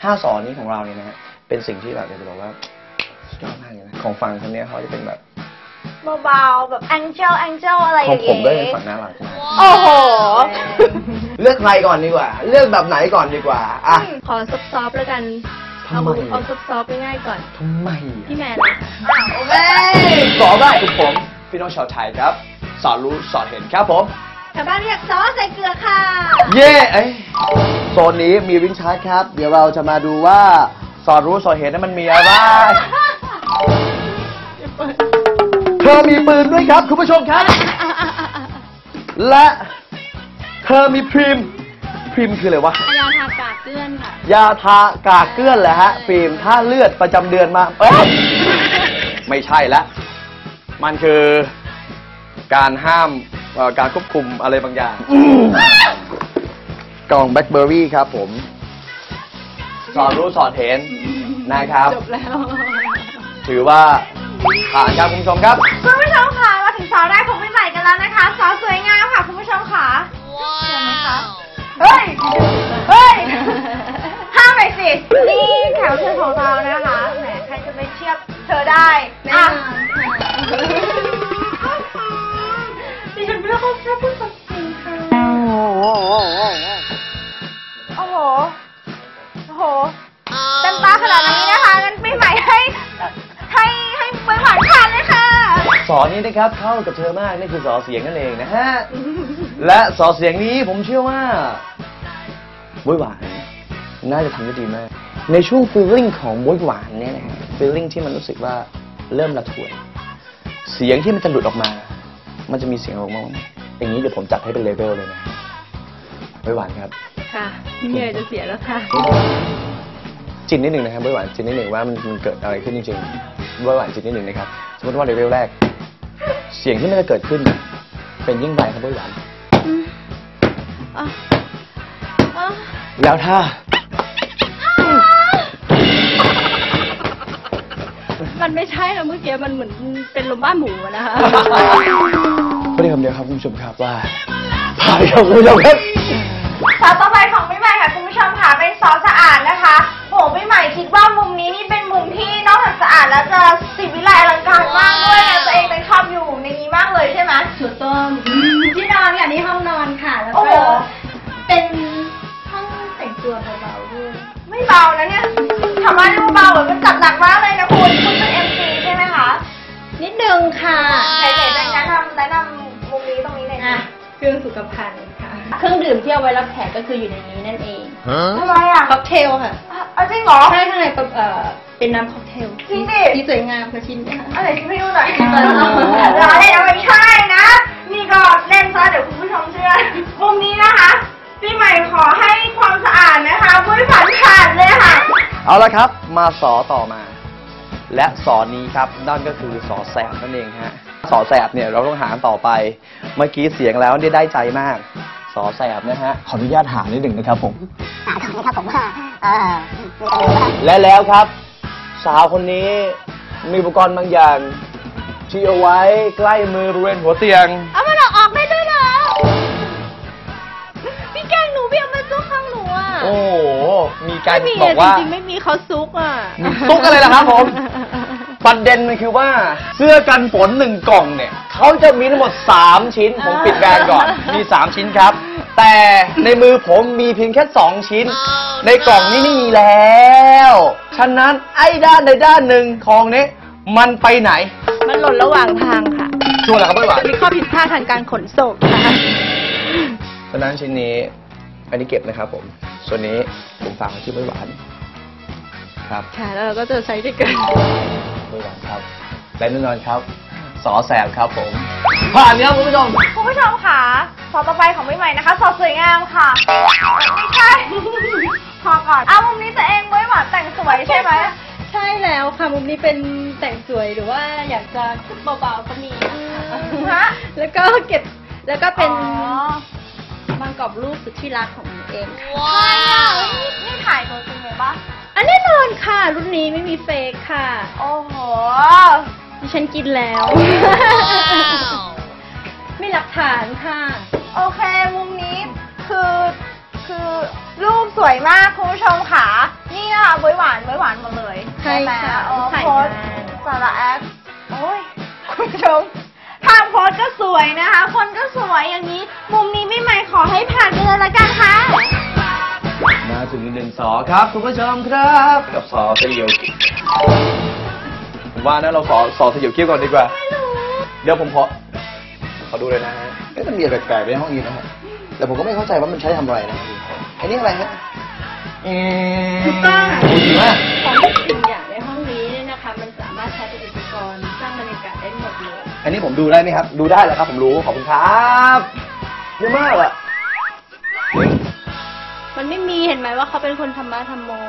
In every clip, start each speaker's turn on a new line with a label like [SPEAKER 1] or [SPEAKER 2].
[SPEAKER 1] 5 สอนนี้ของเราเนี่ยนะฮะเป็นสิ่งที่แบบอยากจะบอกว่าสุดยอดมากเลยนะของฝั่งคนนี้เขาจะเป็นแบบ
[SPEAKER 2] เบาๆแบบแองเจิลอะไรอย่าง
[SPEAKER 1] เงี้ยของผมก็เป็นฝั่งน่ารัก
[SPEAKER 2] โอ้โห
[SPEAKER 1] เลือกใครก่อนดีกว่าเลือกแบบไหนก่อนดีกว่าอ่ะ
[SPEAKER 3] ขอซอฟต์แล้วกันเอาซอฟต์ง่ายๆก่อน
[SPEAKER 1] ทำไม
[SPEAKER 3] พี่แมน
[SPEAKER 2] โอเค
[SPEAKER 1] สอนได้คือผมพี่น้องชาวไทยครับสอนรู้สอนเห็นครับผม
[SPEAKER 2] ชาวบ้านเรียกซอสใส่เกลือค่ะ
[SPEAKER 1] เย่โซนนี้มีวิ่งชาร์จครับเดี๋ยวเราจะมาดูว่าสอนรู้สอนเห็นนั้นมันมีอะไรเธอมีปืนด้วยครับคุณผู้ชมครับและเธอมีพริมคืออะไรวะ
[SPEAKER 3] ยาทากากเกลื่อนค่ะ
[SPEAKER 1] ยาทากากเกลื่อนแหละฮะพริมถ้าเลือดประจำเดือนมาไม่ใช่ละมันคือการห้ามการควบคุมอะไรบางอย่างกล่องแบล็คเบอร์รี่ครับผมสอนรู้สอนเห็นนะครับ
[SPEAKER 3] จบแล้ว
[SPEAKER 1] ถือว่าผ่านครับคุณผู้ชมครับ
[SPEAKER 2] คุณผู้ชมค่ะมาถึงซอสแรกของพี่ใหม่กันแล้วนะคะซอสสวยงามค่ะคุณผู้ชมค่ะเห็นไหมคะเฮ้ยห้ามไปสินี่แถวเชิญของเรานะคะแหมใครจะไปเทียบเธอได้อ่ะดิฉันไม่เข้าใจพูดสักทีค่ะโอ้โหเต็มตาขนาดนี้นะคะงั้นพี่ใหม่ให้ใบหวานผ่านเลยค่ะ
[SPEAKER 1] สอนนี้นะครับเข้ากับเธอมากนี่คือสอเสียงนั่นเองนะฮะและสอเสียงนี้ผมเชื่อว่าบ๊วยหวานน่าจะทำได้ดีมากในช่วงฟีลลิ่งของบ๊วยหวานเนี่ยนะฮะฟีลลิ่งที่มันรู้สึกว่าเริ่มระทวยเสียงที่มันจะหลุดออกมามันจะมีเสียงออกมาอย่างนี้เดี๋ยวผมจัดให้เป็นเลเวลเลยนะบ๊วยหวานครับ
[SPEAKER 3] ค่ะพี่เหนื่อยจะเสียแล้วค่ะ
[SPEAKER 1] จินนิดหนึ่งนะครับบ๊วยหวานจินนิดหนึ่งว่ามันเกิดอะไรขึ้นจริงๆบ๊วยหวานจินนิดหนึ่งนะครับสมมติว่าเลเวลแรกเสียงที่มันจะเกิดขึ้นเป็นยิ่งใบครับบ๊วยหวานแล้วถ้า
[SPEAKER 3] มันไม่ใช่แล้วเมื่อกี้มันเหมือนเป็นลมบ้าหมูนะคะ
[SPEAKER 1] พูดได้คำเดียวครับคุณผู้ชมครับว่าผ่านครับคุณผู้ชมครับ
[SPEAKER 2] ซอสต่อไปของพี่ใหม่ค่ะคุณผู้ชมค่ะเป็นซอสสะอาดนะคะโหพี่ใหม่คิดว่ามุมนี้นี่เป็นมุมที่นอกจากสะอาดแล้วจะศิลป์วิไลอลังการมากด้วยนะตัวเองเลยชอบอยู่ในนี้มากเลยใช่ไหม
[SPEAKER 3] ถูกต้องที่นอนค่ะนี่ห้องนอนค่ะแล้วก็เป็นห้องแต่งตัวเบาๆด้วย
[SPEAKER 2] ไม่เบานะเนี่ยทำไมดูเบาเหมือนมันจัดหนักมากเลยนะคุณเป็น MC ใช่ไหมคะ
[SPEAKER 3] นิดนึงค่ะ
[SPEAKER 2] ไหนๆแนะนำมุมนี้ตรงนี้เลยค่ะ
[SPEAKER 3] เครื่องสุขภัณฑ์ค่ะเครื่องดื่มที่เอาไว้รับแขกก็คืออยู่ในนี้นั่นเอง
[SPEAKER 2] อะไรอ่ะ
[SPEAKER 3] ค็อกเทลค่ะ
[SPEAKER 2] จริงเหรอ
[SPEAKER 3] ใช่ข้างในเป็นน้ำค็อกเทล
[SPEAKER 2] จริงดิ
[SPEAKER 3] ที่สวยงามค่ะชิ้นนี้
[SPEAKER 2] อะไรที่ไม่รู้หน่อยร้านเล่นเอาไม่ใช่นะนี่ก็เล่นซะเดี๋ยวคุณผู้ชมเชื่อมุมนี้นะคะพี่ใหม่ขอให้ความสะอาดนะคะผู้ผ่านเลยค่ะ
[SPEAKER 1] เอาละครับมาสอต่อมาและสอนี้ครับนั่นก็คือสอแสบนั่นเองฮะสอแสบเนี่ยเราต้องหาต่อไปเมื่อกี้เสียงแล้วได้ใจมากสอแสบนะฮะขออนุญาตหานิดหนึ่งนะครับผม
[SPEAKER 2] ครับผม
[SPEAKER 1] และแล้วครับสาวคนนี้มีอุปกรณ์บางอย่างที่เอาไว้ใกล้มือบริเวณหัวเตียง
[SPEAKER 3] เอามันออกได้ด้วยเหรอพี่แกงหนูพี่เอามาซุกข้างหนูอ่ะ
[SPEAKER 1] โอ้โหมีการบอกว่า
[SPEAKER 3] จริงๆไม่มีเขาซุกอ่ะ
[SPEAKER 1] ซุกอะไรล่ะครับผมประเด็นมันคือว่าเสื้อกันฝน1 กล่องเนี่ยเขาจะมีทั้งหมด3 ชิ้นผมปิดแบรนด์ก่อนมี3 ชิ้นครับแต่ในมือผมมีเพียงแค่2 ชิ้นในกล่องนี้ไม่มีแล้วฉะนั้นไอ้ด้านใดด้านหนึ่งของนี้มันไปไหน
[SPEAKER 3] มันหล่นระหว่างทางค่ะ
[SPEAKER 1] ชัวร์เหรอครับบ๊วยหวาน
[SPEAKER 3] มีข้อผิดพลาดทางการขนส่งค่ะ
[SPEAKER 1] ฉะนั้นชิ้นนี้อันนี้เก็บนะครับผมส่วนนี้ผมฝากไว้ที่บ๊วยหวานครับ
[SPEAKER 3] ค่ะแล้วเราก็จะใช้ด้วยกัน
[SPEAKER 1] บ๊วยหวานครับและแน่นอนครับสอแสบครับผมผ่านครับคุณผู้ชม
[SPEAKER 2] ค่ะซอสต่อไปของพี่ใหม่นะคะซอสสวยงามค่ะไม่ใช่พอก่อนมุมนี้ตัวเองบ๊วยหวานแต่งสวยใช่ไหม
[SPEAKER 3] ใช่แล้วค่ะมุมนี้เป็นแต่งสวยหรือว่าอยากจะเบาๆก็มีแล้วก็เก็บแล้วก็เป็นบางกรอบรูปสุดที่รักของหนูเอง
[SPEAKER 2] ว้าวนี่ถ่ายตัวจริงเลยปะ
[SPEAKER 3] แน่นอนค่ะรุ่นนี้ไม่มีเฟกค่ะ
[SPEAKER 2] โอ้โห
[SPEAKER 3] ดิฉันกินแล้วไม่หลักฐานค่ะ
[SPEAKER 2] โอเคมุมนี้คือรูปสวยมากคุณผู้ชมค่ะนี่ค่ะบวยหวานหมดเลย
[SPEAKER 3] ใช่ค่ะ
[SPEAKER 2] โอ้
[SPEAKER 3] ถ่าย
[SPEAKER 2] โพส
[SPEAKER 3] งาน
[SPEAKER 2] สาระแอคโอ้ยคุณผู้ชมทางโพสก็สวยนะคะ คนก็สวยอย่างนี้ มุมนี้พี่ใหม่ขอให้ผ่านไปเลยละกันค่ะ
[SPEAKER 1] มาถึงอีกหนึ่งสอครับคุณผู้ชมครับกับสอสยิวผมว่านะเราสอสยิวเคี้ยวก่อนดีกว่าเดี๋ยวผมขอดูเลยนะฮะมันมีอะไรแปลกๆในห้องนี้นะฮะแต่ผมก็ไม่เข้าใจว่ามันใช้ทำอะไรนะอันนี้อะไรฮะ
[SPEAKER 3] ถูกต้อง
[SPEAKER 1] ดีมาก
[SPEAKER 3] ของทุกสิ่งอย่างในห้องนี้เนี่ยนะคะ มันสามารถใช้เป็นอุปกรณ์สร้างบรรยากาศได้หมดเลย
[SPEAKER 1] อันนี้ผมดูได้ไหมครับดูได้แล้วครับผมรู้ขอบคุณครับเยอะมากอะ
[SPEAKER 3] มันไม่มีเห็นไหมว่าเขาเป็นคนธรรมะธรรมโม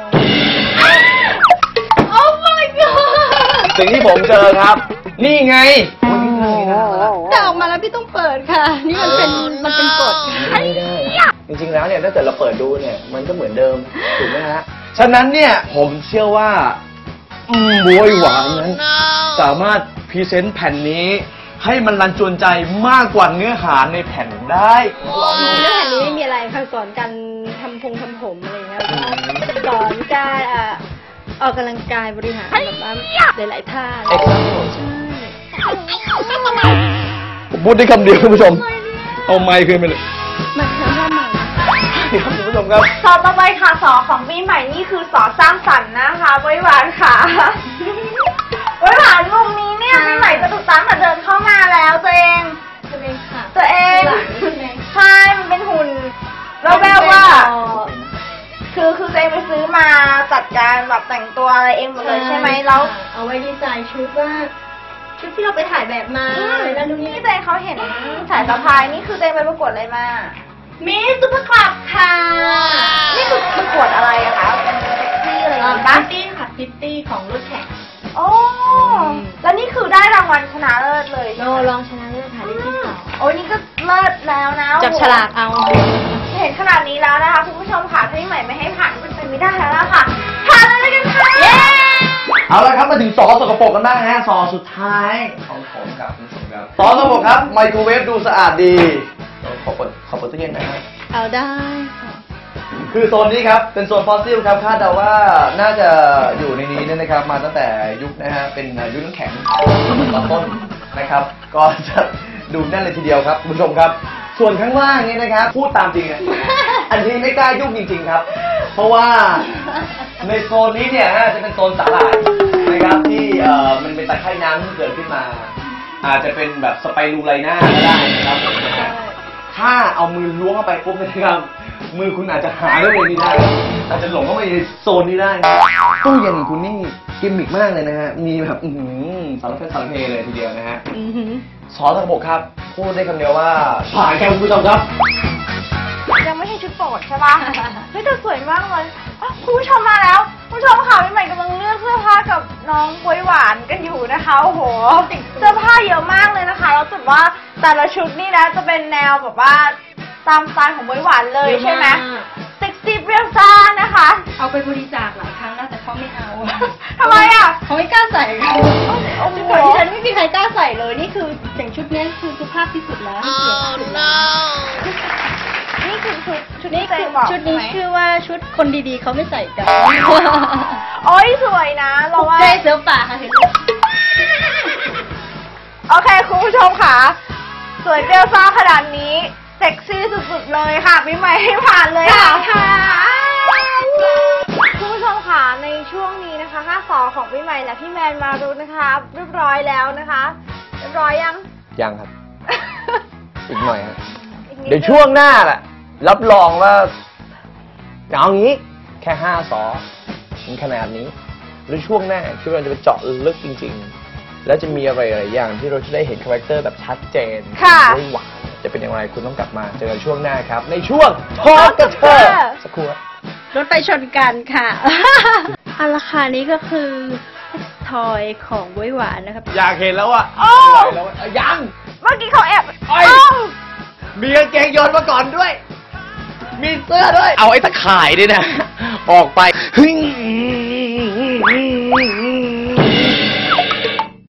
[SPEAKER 3] โอ้ my god
[SPEAKER 1] สิ่งที่ผมเจอครับ นี่ไงวันนี้เลยนะ
[SPEAKER 3] แต่ออกมาแล้วพี่ต้องเปิดค่ะ นี่มันเป็นกฎ
[SPEAKER 1] ไม่ได้จริงๆแล้วเนี่ยถ้าเกิดเราเปิดดูเนี่ยมันก็เหมือนเดิมถูกไหมฮะฉะนั้นเนี่ยผมเชื่อว่าบวยหวานนั้นสามารถพรีเซนต์แผ่นนี้ให้มันรันจวนใจมากกว่าเนื้อหาในแผ่นได้
[SPEAKER 3] จริงๆแล้วแผ่นนี้ไม่มีอะไรค่ะสอนการทำผมอะไรอย่างเงี้ยสอนการออกกำลังกายบริหารแบบว่าหลายๆท่า
[SPEAKER 1] เอ็กซ์
[SPEAKER 3] ใช่
[SPEAKER 1] ผมพูดได้คำเดียวคุณผู้ชมเอาไมค์คืนไปเลย
[SPEAKER 3] มันทำท่าใหม่
[SPEAKER 1] เดี๋ยวคุณผู้ชมครับ
[SPEAKER 2] สอต่อไปค่ะสอของปีใหม่นี่คือสอสร้างสรรค์นะคะบวยหวานค่ะบวยหวานมุมนี้เนี่ยปีใหม่จะถูกตั้งแต่เดินเข้ามาแล้วตัวเอง
[SPEAKER 3] ตัวเองค่ะ
[SPEAKER 2] ตัวเอง
[SPEAKER 3] หลังใช่ไหม
[SPEAKER 2] ใช่มันเป็นหุ่นเราแบบว่า คือตัวเองไปซื้อมาจัดการแบบแต่งตัวอะไรเองหมดเลยใช่ไหมแล้ว
[SPEAKER 3] เอาไว้ดีไซน์ชุดว่าชุดที่เราไปถ่ายแบบมาอะไรนั่นนู่นนี่
[SPEAKER 2] นี่ตัวเองเขาเห็นสายสะพายนี่คือตัวเองไปประกวดอะไรมา
[SPEAKER 3] มิสซุปเปอร์คลับค่ะ
[SPEAKER 2] นี่คือประกวดอะไรอะคะเป็นเซ็กซี่อะไรอย่างงี้ปะ
[SPEAKER 3] ซิตี้ค่ะซิตี้ของรถแข่ง
[SPEAKER 2] โอ้แล้วนี่คือได้รางวัลชนะเลิศเลย
[SPEAKER 3] โนลองชนะเลิศค่ะได้ที่สอง
[SPEAKER 2] โอ้ยนี่ก็เลิศแล้วนะ
[SPEAKER 3] จับฉลากเอา
[SPEAKER 2] เห็นขนาดนี้แล้วนะคะคุณผู้ชมค่ะถ้าพี่ใหม่ไม่ให้ผ่านก็เป็นไปไม่ได้แล้วล่ะค่ะผ่านเลยกันค่ะ
[SPEAKER 1] เอาละครับมาถึงสอสกปรกกันบ้างฮะสอสุดท้ายของผมครับคุณผู้ชมครับสอสกปรกครับไมโครเวฟดูสะอาดดีขอเปิดตู้เย็นหนะครับ
[SPEAKER 3] เอาได้ค่ะ
[SPEAKER 1] คือโซนนี้ครับเป็นโซนฟอสซิลครับคาดเดาว่าน่าจะอยู่ในนี้เนี่ยนะครับมาตั้งแต่ยุคนะฮะเป็นยุคน้ำแข็งตอนต้นนะครับ ก็จะดูแน่นเลยทีเดียวครับคุณผู้ชมครับ ส่วนข้างล่างนี้นะครับพูดตามจริงอ่ะอันนี้ไม่กล้ายุ่งจริงๆครับ เพราะว่าในโซนนี้เนี่ยฮะจะเป็นโซนสาหร่ายนะครับที่มันเป็นตะไคร่น้ำที่เกิดขึ้นมา อาจจะเป็นแบบสไปรูไลน่าก็ได้นะครับถ้าเอามือล้วงเข้าไปปุ๊บนะครับมือคุณอาจจะหายไปเลยนี่ได้อาจจะหลงเข้าไปในโซนนี้ได้ตู้เย็นของคุณนี่กิมมิกมากเลยนะฮะมีแบบสารพัดสารเพเลยทีเดียวนะฮะซอสตะบกครับพูดได้คำเดียวว่าผ่านแค่คุณผู้ชมครับ
[SPEAKER 2] ยังไม่ใช่ชุดโปรดใช่ปะเฮ้ยแต่สวยมากเลยอ่ะคุณผู้ชมมาแล้วคุณผู้ชมค่ะพี่ใหม่กำลังเลือกเสื้อผ้ากับน้องบวยหวานกันอยู่นะคะโอ้โหเสื้อผ้าเยอะมากเลยนะคะแล้วจุดว่าแต่ละชุดนี่นะจะเป็นแนวแบบว่าตามสไตล์ของบวยหวานเลยใช่ไหมเซ็กซี่เปรี้ยวซ่านะคะ
[SPEAKER 3] เอาไปบริจาคหลายครั้งแล้วแต่เขาไม่เอา
[SPEAKER 2] ทำไมอ่ะ
[SPEAKER 3] เขาไม่กล้าใส่ค่ะ
[SPEAKER 2] โอ้โห
[SPEAKER 3] ชุดของที่ฉันไม่มีใครกล้าใส่เลยนี่คืออย่างชุดนี้คือสุภาพที่สุดแล้วที่เกียรติที่สุดแล้ว
[SPEAKER 2] นี่คือชุด
[SPEAKER 3] นี่
[SPEAKER 2] ที่
[SPEAKER 3] คื
[SPEAKER 2] เจ
[SPEAKER 3] อ
[SPEAKER 2] บอก
[SPEAKER 3] ชุดนี้
[SPEAKER 2] ใไหม
[SPEAKER 3] ชื่อว่าชุดคนดีๆเขาไม่ใส่กัน
[SPEAKER 2] โอ้ยสวยนะเราว่า
[SPEAKER 3] เจ๊เสือป่าค่ะเห็นไหม
[SPEAKER 2] โอเคคุณผู้ชมค่ะสวยเปรี้ยวซ่าขนาดนี้เซ็กซี่สุดๆเลยค่ะพี่ใหม่ให้ผ่านเลยค่ะคุณผู้ชมค่ะในช่วงนี้นะคะ5 สอของพี่ใหม่และพี่แมนมารุ้นะคะเรียบร้อยแล้วนะคะเรียบร้อยยัง
[SPEAKER 1] ยังครับ อีกหน่อยครับ
[SPEAKER 2] อีกนิ
[SPEAKER 1] เดี๋ยวช่วงหน้าแหละรับรองว่าเอางี้แค่5 สอมันขนาดนี้แล้วช่วงหน้าคือเราจะไปเจาะลึกจริงๆ แล้วจะมีอะไรหลายอย่างที่เราจะได้เห็นคาแรคเตอร์แบบชัดเจน
[SPEAKER 2] ค่ะ
[SPEAKER 1] ไม่หวานจะเป็นอย่างไรคุณต้องกลับมาเจอกันช่วงหน้าครับ ในช่วงทอล์กกับเธอสักครู่
[SPEAKER 3] รถไฟชนกันค่ะ อันราคานี้ก็คือทอยของบ๊วยหวานนะครับ
[SPEAKER 1] อยากเห็นแล้วอ่ะ
[SPEAKER 2] โอ้
[SPEAKER 1] ไม่ไหวแล้วอะยัง
[SPEAKER 2] เมื่อกี้เขาแอบ
[SPEAKER 1] โอ้ย มีกางเกงโยนมาก่อนด้วย มีเสื้อด้วย เอาไอ้ตะข่ายด้วยนะ ออกไป